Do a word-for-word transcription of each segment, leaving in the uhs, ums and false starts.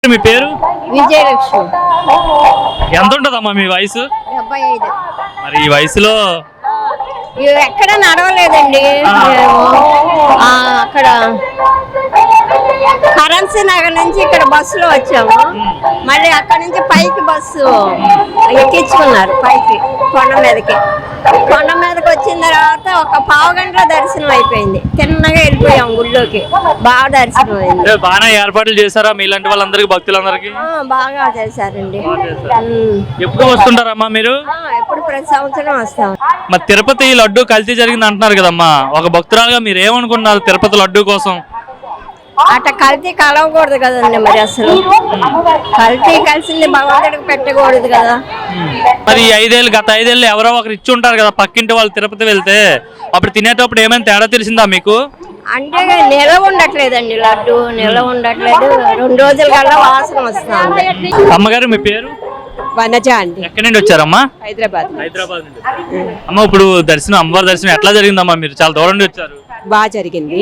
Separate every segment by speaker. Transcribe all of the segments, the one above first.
Speaker 1: మీ పేరు?
Speaker 2: విజయలక్ష్మి.
Speaker 1: ఎంత ఉంటదమ్మా మీ వయసు?
Speaker 2: డెబ్బై ఐదు.
Speaker 1: మరి ఈ వయసులో
Speaker 2: ఎక్కడ నడవలేదండి. అక్కడ కరెన్సీ నగర్ నుంచి ఇక్కడ బస్సులో వచ్చాము. మళ్ళీ అక్కడ నుంచి పైకి బస్సు ఎక్కించుకున్నారు పైకి కొండ మీదకి. కొండ మీదకి వచ్చిన తర్వాత ఒక పావు గంటల దర్శనం అయిపోయింది. తిన్నగా వెళ్ళిపోయాం గుళ్ళోకి. బాగా దర్శనం అయింది.
Speaker 1: బాగా ఏర్పాట్లు చేశారా మీలాంటి వాళ్ళందరికి, భక్తులందరికీ?
Speaker 2: బాగా చేశారండి.
Speaker 1: ఎప్పుడు వస్తుంటారమ్మా మీరు?
Speaker 2: ఎప్పుడు ప్రతి సంవత్సరం వస్తాం.
Speaker 1: మరి తిరుపతి లడ్డు కల్తీ జరిగింది అంటున్నారు కదమ్మా, ఒక భక్తురాలుగా మీరు ఏమనుకుంటున్నారు తిరుపతి లడ్డు కోసం?
Speaker 2: అట్ట కల్తీ కలవకూడదు కదండి. మరి అసలు కల్తీ కలిసింది భగవంతుడికి పెట్టకూడదు కదా.
Speaker 1: మరి ఐదేళ్ళు గత ఐదేళ్ళు ఎవరో ఒకరు ఇచ్చి ఉంటారు కదా పక్కింటి వాళ్ళు తిరుపతి వెళ్తే, అప్పుడు తినేటప్పుడు ఏమైనా తేడా తెలిసిందా మీకు?
Speaker 2: అంటే నిల్వ ఉండట్లేదండి, లడ్డు నిల్వ ఉండట్లేదు. రెండు రోజుల కల్లా వాసన వస్తుంది.
Speaker 1: అమ్మగారు మీ పేరు?
Speaker 3: వనజ అండి.
Speaker 1: ఎక్కడి నుండి వచ్చారమ్మా?
Speaker 3: హైదరాబాద్.
Speaker 1: హైదరాబాద్ నుండి. అమ్మ ఇప్పుడు దర్శనం, అమ్మవారి దర్శనం ఎట్లా జరిగిందమ్మా? మీరు చాలా దూరం నుండి వచ్చారు.
Speaker 3: బాగా జరిగింది.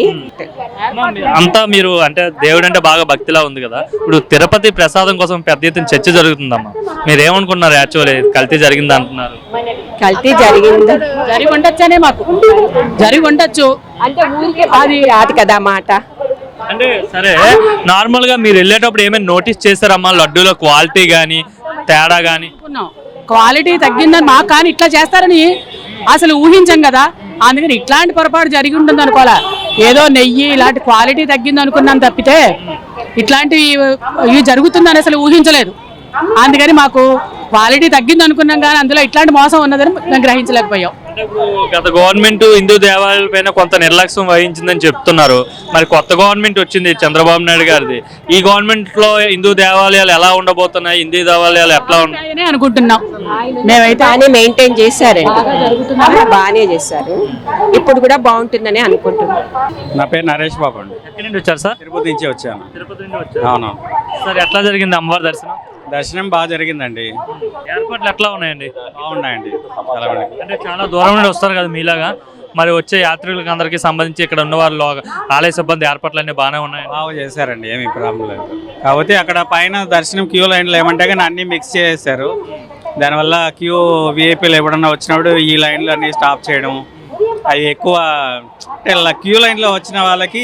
Speaker 1: అంతా మీరు అంటే దేవుడు అంటే బాగా భక్తిలా ఉంది కదా, ఇప్పుడు తిరుపతి ప్రసాదం కోసం పెద్ద ఎత్తున చర్చ జరుగుతుందమ్మా, మీరు ఏమనుకున్నారు? యాక్చువల్లీ కల్తీ జరిగింది అంటున్నారు.
Speaker 3: కల్తీ జరిగింది, జరిగి ఉండొచ్చనే మాకు జరిగి ఉండొచ్చు అంటే ఊరికే అది రాదు కదా మాట.
Speaker 1: అంటే సరే, నార్మల్ గా మీరు వెళ్ళేటప్పుడు ఏమైనా నోటీస్ చేశారమ్మా లడ్డూలో క్వాలిటీ గానీ తేడా గానీ?
Speaker 4: క్వాలిటీ తగ్గిందని మాకు కానీ ఇట్లా చేస్తారని అసలు ఊహించాం కదా. అందుకని ఇట్లాంటి పొరపాటు జరిగి ఉంటుంది అనుకోవాలా. ఏదో నెయ్యి ఇలాంటి క్వాలిటీ తగ్గింది అనుకున్నాం తప్పితే ఇట్లాంటివి ఇవి జరుగుతుందని అసలు ఊహించలేదు. అందుకని మాకు క్వాలిటీ తగ్గింది అనుకున్నాం కానీ అందులో ఇట్లాంటి మోసం ఉన్నదని మేము గ్రహించలేకపోయాం.
Speaker 1: గత గవర్నమెంట్ హిందూ దేవాలయాల పైన కొంత నిర్లక్ష్యం వహించిందని చెప్తున్నారు. మరి కొత్త గవర్నమెంట్ వచ్చింది చంద్రబాబు నాయుడు గారిది. ఈ గవర్నమెంట్ లో హిందూ దేవాలయాలు ఎలా ఉండబోతున్నాయి, హిందూ దేవాలయాలు ఎట్లా ఉంటాయని
Speaker 4: అనుకుంటున్నాం మేమైతే.
Speaker 3: బాగానే మెయింటైన్ చేశారండి, బాగానే చేశారు. ఇప్పుడు కూడా బాగుంటుందని అనుకుంటున్నాం.
Speaker 5: నా పేరు నరేష్ బాబు అండి.
Speaker 1: ఎక్కడి నుండి వచ్చారు సార్?
Speaker 5: తిరుపతి నుంచి వచ్చాను.
Speaker 1: తిరుపతి నుండి వచ్చారు.
Speaker 5: అవును
Speaker 1: సార్, ఎట్లా జరిగింది అమ్మవారి దర్శనం?
Speaker 5: దర్శనం బాగా జరిగిందండి.
Speaker 1: ఏర్పాట్లు ఎట్లా ఉన్నాయండి?
Speaker 5: బాగున్నాయండి. చాలా
Speaker 1: అంటే చాలా దూరం నుండి వస్తారు కదా మీలాగా, మరి వచ్చే యాత్రికులకు అందరికీ సంబంధించి ఇక్కడ ఉన్న వాళ్ళు ఆలయ సిబ్బంది ఏర్పాట్లు అన్ని బాగానే ఉన్నాయి.
Speaker 5: బాగా చేశారండి, ఏమి ప్రాబ్లం లేదు. కాకపోతే అక్కడ పైన దర్శనం క్యూ లైన్లు ఏమంటే కానీ అన్నీ మిక్స్ చేసేసారు. దానివల్ల క్యూ విఐపీలు ఎప్పుడన్నా వచ్చినప్పుడు ఈ లైన్లు అన్నీ స్టాప్ చేయడం, అవి ఎక్కువ అంటే క్యూ లైన్లో వచ్చిన వాళ్ళకి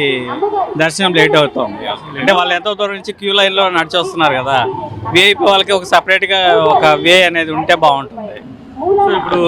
Speaker 5: దర్శనం లేట్ అవుతుంది. అంటే వాళ్ళు ఎంతో దూరం నుంచి క్యూ లైన్లో నడిచి వస్తున్నారు కదా, విఐపీ వాళ్ళకి ఒక సపరేట్గా ఒక వే అనేది ఉంటే బాగుంటుంది.
Speaker 1: ఇప్పుడు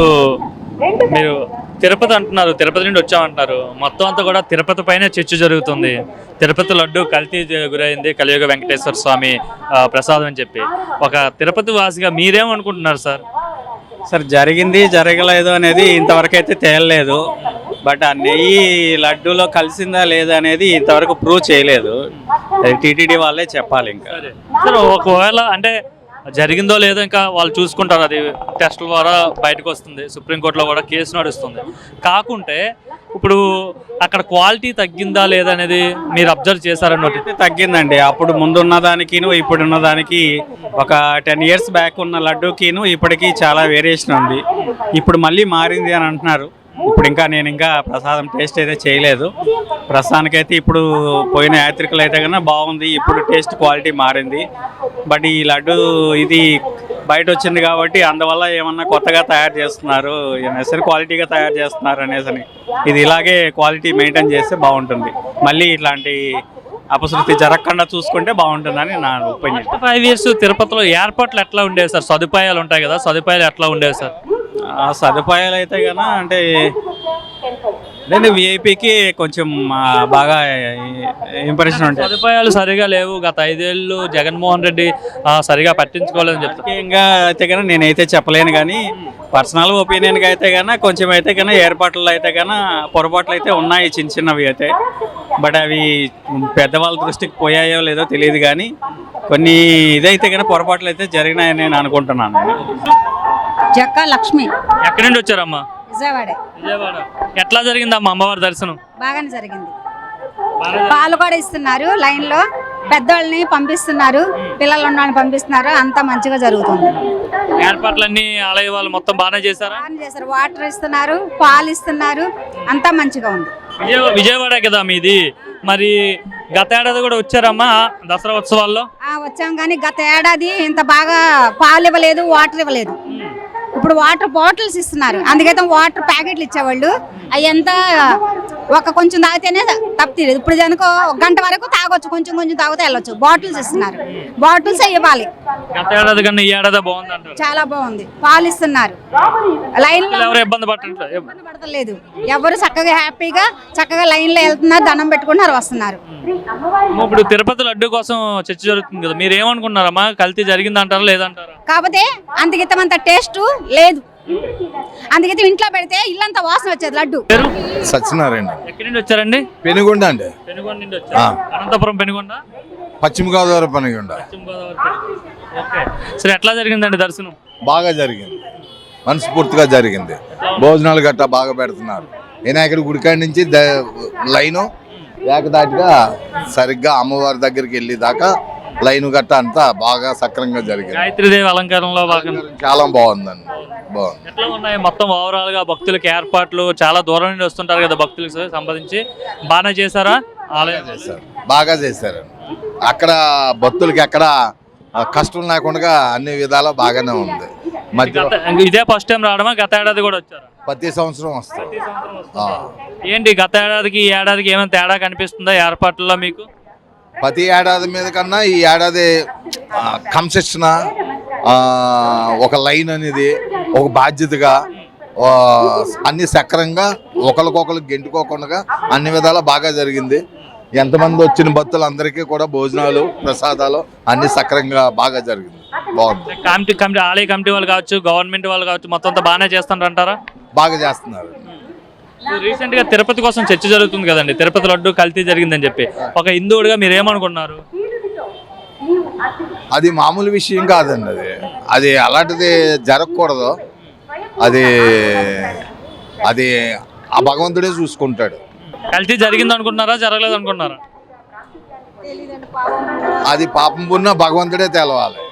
Speaker 1: మీరు తిరుపతి అంటున్నారు, తిరుపతి నుండి వచ్చామంటున్నారు, మొత్తం అంతా కూడా తిరుపతి పైన చర్చ జరుగుతుంది. తిరుపతి లడ్డు కల్తీ గురైంది, కలియుగ వెంకటేశ్వర స్వామి ప్రసాదం అని చెప్పి. ఒక తిరుపతి వాసిగా మీరేమనుకుంటున్నారు సార్?
Speaker 5: సార్, జరిగింది జరగలేదు అనేది ఇంతవరకు అయితే తేలలేదు. బట్ ఆ నెయ్యి లడ్డూలో కలిసిందా లేదా అనేది ఇంతవరకు ప్రూవ్ చేయలేదు. అది టీటీడీ వాళ్ళే చెప్పాలి. ఇంకా
Speaker 1: సార్, ఒకవేళ అంటే జరిగిందో లేదో ఇంకా వాళ్ళు చూసుకుంటారు, అది టెస్టుల ద్వారా బయటకు వస్తుంది, సుప్రీంకోర్టులో కూడా కేసు నడుస్తుంది. కాకుంటే ఇప్పుడు అక్కడ క్వాలిటీ తగ్గిందా లేదా అనేది మీరు అబ్జర్వ్ చేశారన్నట్టు?
Speaker 5: తగ్గిందండి. అప్పుడు ముందున్న దానికిను ఇప్పుడున్న దానికి ఒక టెన్ ఇయర్స్ బ్యాక్ ఉన్న లడ్డూకిను ఇప్పటికీ చాలా వేరియేషన్ ఉంది. ఇప్పుడు మళ్ళీ మారింది అని అంటున్నారు. ఇప్పుడు ఇంకా నేను ఇంకా ప్రసాదం టేస్ట్ అయితే చేయలేదు. ప్రస్తుతానికైతే ఇప్పుడు పోయిన యాత్రికులు అయితే కన్నా బాగుంది, ఇప్పుడు టేస్ట్ క్వాలిటీ మారింది. బట్ ఈ లడ్డు ఇది బయట వచ్చింది కాబట్టి అందువల్ల ఏమన్నా కొత్తగా తయారు చేస్తున్నారు, నెసరి క్వాలిటీగా తయారు చేస్తున్నారు అనేసి. ఇది ఇలాగే క్వాలిటీ మెయింటైన్ చేస్తే బాగుంటుంది. మళ్ళీ ఇట్లాంటి అపశృతి జరగకుండా చూసుకుంటే బాగుంటుందని నా ఒపీనియన్.
Speaker 1: ఫైవ్ ఇయర్స్ తిరుపతిలో ఏర్పాట్లు ఎట్లా ఉండేవి సార్? సదుపాయాలు ఉంటాయి కదా, సదుపాయాలు ఎట్లా ఉండేవి సార్?
Speaker 5: ఆ సదుపాయాలు అయితే కన్నా అంటే నేను విఐపికి కొంచెం బాగా ఇంప్రెషన్ ఉంటాయి.
Speaker 1: సదుపాయాలు సరిగా లేవు, గత ఐదేళ్ళు జగన్మోహన్ రెడ్డి సరిగా పట్టించుకోలేదని చెప్తాను.
Speaker 5: ముఖ్యంగా అయితే కన్నా నేనైతే చెప్పలేను, కానీ పర్సనల్ ఒపీనియన్గా అయితే కన్నా కొంచెం అయితే కన్నా ఏర్పాట్లు అయితే కన్నా పొరపాట్లు అయితే ఉన్నాయి, చిన్న చిన్నవి అయితే. బట్ అవి పెద్దవాళ్ళ దృష్టికి పోయాయో లేదో తెలియదు, కానీ కొన్ని ఇదైతే కన్నా పొరపాట్లు అయితే జరిగినాయని నేను అనుకుంటున్నాను.
Speaker 4: జక్క లక్ష్మి.
Speaker 1: ఎక్కడి నుండి వచ్చారమ్మా?
Speaker 4: విజయవాడ.
Speaker 1: విజయవాడ. ఎట్లా జరిగిందమ్మా అమ్మవారి దర్శనం?
Speaker 4: బాగానే జరిగింది. పాలు కూడా ఇస్తున్నారు లైన్ లో, పెద్దవాళ్ళని పంపిస్తున్నారు, పిల్లలు ఉన్న పంపిస్తున్నారు, అంతా మంచిగా జరుగుతుంది.
Speaker 1: ఏర్పాట్లన్నీ ఆలయ వాళ్ళు మొత్తం బాగానే చేశారా?
Speaker 4: బాగానే చేశారు. వాటర్ ఇస్తున్నారు, పాలు ఇస్తున్నారు, అంతా మంచిగా ఉంది.
Speaker 1: విజయవాడ కదా మీది, మరి గత ఏడాది కూడా వచ్చారమ్మా దసరా ఉత్సవాల్లో?
Speaker 6: ఆ, వచ్చాం కానీ గత ఏడాది ఇంత బాగా పాలు ఇవ్వలేదు, వాటర్ ఇవ్వలేదు. ఇప్పుడు వాటర్ బాటిల్స్ ఇస్తున్నారు. అందుకైతే వాటర్ ప్యాకెట్లు ఇచ్చేవాళ్ళు అవి ఎంత ఒక కొంచెం తాగితేనే తప్పలేదు. ఇప్పుడు దానికో ఒక గంట వరకు తాగొచ్చు, కొంచెం కొంచెం తాగితే వెళ్ళొచ్చు. బాటిల్స్ ఇస్తున్నారు, బాటిల్స్ ఇవ్వాలి.
Speaker 1: గత ఏడాది కన్నా ఈ ఏడాది బాగుంది అంటారు?
Speaker 6: చాలా బాగుంది, పాలు ఇస్తున్నారు. లైన్ లో
Speaker 1: ఎవరు ఇబ్బంది పట్టట్లేదు?
Speaker 6: ఇబ్బంది పడతలేదు. ఎవరు చక్కగా హ్యాపీగా చక్కగా లైన్ లో వెళ్తున్నారు, దండం పెట్టుకుంటున్నారు, వస్తున్నారు.
Speaker 1: ఇప్పుడు తిరుపతి లడ్డు కోసం చర్చ జరుగుతుంది కదా, మీరు ఏమనుకున్నారమ్మా? కల్తీ జరిగింది అంటారా లేదంటారా?
Speaker 6: కాకపోతే అంతకితమంత టేస్ట్ లేదు. అందుకైతే ఇంట్లో పెడితే ఇల్లంతా వాసన వచ్చేది లడ్డు.
Speaker 1: పేరు?
Speaker 7: సత్యనారాయణ.
Speaker 1: ఎక్కడి నుండి వచ్చారండి?
Speaker 7: పెనుగొండ అండి.
Speaker 1: పెనుగొండ నుండి వచ్చారు. అనంతపురం పెనుగొండ,
Speaker 7: పశ్చిమ గోదావరి పెనుగొండ.
Speaker 1: పశ్చిమ గోదావరి. ఓకే. సరే, ఎట్లా జరిగిందండి దర్శనం?
Speaker 7: బాగా జరిగింది, మనస్ఫూర్తిగా జరిగింది. భోజనాలు గట్టా బాగా పెడుతున్నారు. వినాయకుడి గుడికాడి నుంచి లైను ఏకదాటిగా సరిగ్గా అమ్మవారి దగ్గరికి వెళ్ళి దాకా లైన్ గట్ట అంతా బాగా సక్రంగా జరిగింది.
Speaker 1: గాయత్రీదేవి అలంకారంలో భాగంగా
Speaker 7: చాలా బాగుందండి, బాగుంది.
Speaker 1: ఎట్లా ఉన్నాయి మొత్తం ఓవరాల్ గా భక్తులకి ఏర్పాట్లు? చాలా దూరం నుండి వస్తుంటారు కదా భక్తులకు సంబంధించి, బాగానే చేశారా? ఆలయం
Speaker 7: చేశారు, బాగా చేశారు. అక్కడ భక్తులకి ఎక్కడ కష్టం లేకుండా అన్ని విధాలా బాగానే ఉంది. మధ్య
Speaker 1: ఇదే ఫస్ట్ టైం రావడమా? గత ఏడాది కూడా వచ్చారా?
Speaker 7: ప్రతి సంవత్సరం వస్తాం.
Speaker 1: ఏంటి గత ఏడాదికి ఈ ఏడాదికి ఏమైనా తేడా కనిపిస్తుందా ఏర్పాట్లలో మీకు?
Speaker 7: ప్రతి ఏడాది మీద కన్నా ఈ ఏడాది కన్సెషన్, ఒక లైన్ అనేది ఒక బాధ్యతగా అన్ని సక్రంగా ఒకరికొకరికి గెంటుకోకుండా అన్ని విధాలా బాగా జరిగింది. ఎంతమంది వచ్చిన భక్తులందరికీ కూడా భోజనాలు ప్రసాదాలు అన్ని సక్రంగా బాగా జరిగింది, బాగుంది.
Speaker 1: కమిటీ కమిటీ ఆలయ కమిటీ వాళ్ళు కావచ్చు, గవర్నమెంట్ వాళ్ళు కావచ్చు, మొత్తం అంతా బాగానే చేస్తున్నారు అంటారా?
Speaker 7: బాగా చేస్తున్నారు.
Speaker 1: రీసెంట్ గా తిరుపతి కోసం చర్చ జరుగుతుంది కదండి, తిరుపతి లడ్డు కల్తీ జరిగిందని చెప్పి. ఒక హిందువుడిగా మీరు ఏమనుకున్నారు?
Speaker 7: అది మామూలు విషయం కాదండి, అది అది అలాంటిది జరగకూడదు. అది అది ఆ భగవంతుడే చూసుకుంటాడు.
Speaker 1: కల్తీ జరిగింది అనుకుంటున్నారా, జరగలేదు అనుకుంటున్నారా?
Speaker 7: అది పాపం పుణ్య భగవంతుడే తెలవాలి.